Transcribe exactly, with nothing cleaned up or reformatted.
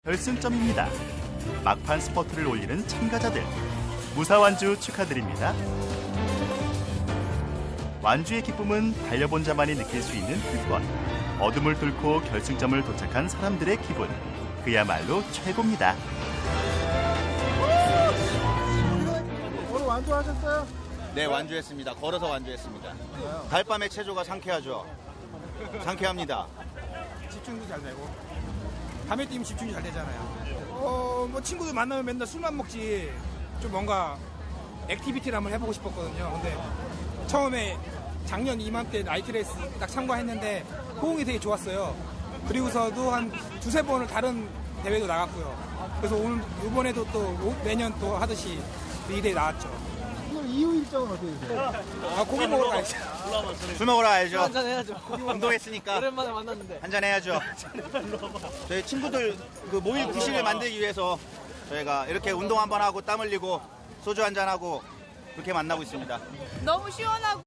결승점입니다. 막판 스퍼트를 올리는 참가자들. 무사 완주 축하드립니다. 완주의 기쁨은 달려본 자만이 느낄 수 있는 특권. 어둠을 뚫고 결승점을 도착한 사람들의 기분. 그야말로 최고입니다. 오늘 완주하셨어요? 네, 완주했습니다. 걸어서 완주했습니다. 달밤의 체조가 상쾌하죠. 상쾌합니다. 집중도 잘 되고 밤에 뛰면 집중이 잘 되잖아요. 어, 뭐 친구들 만나면 맨날 술만 먹지 좀 뭔가 액티비티를 한번 해보고 싶었거든요. 근데 처음에 작년 이맘때 나이트레이스 딱 참가했는데 호응이 되게 좋았어요. 그리고서도 한 두세 번을 다른 대회도 나갔고요. 그래서 오늘 이번에도 또 매년 또 하듯이 이 대회 나왔죠. 오늘 이후 일정은 어떻게 되세요? 아, 고기 먹으러 가야죠. 술 먹으러 가야죠. 한잔 해야죠. 운동했으니까 오랜만에 만났는데. 한잔 해야죠. 저희 친구들 그 모일 구실을 만들기 위해서 저희가 이렇게 운동 한번 하고 땀 흘리고 소주 한잔 하고 그렇게 만나고 있습니다. 너무 시원하고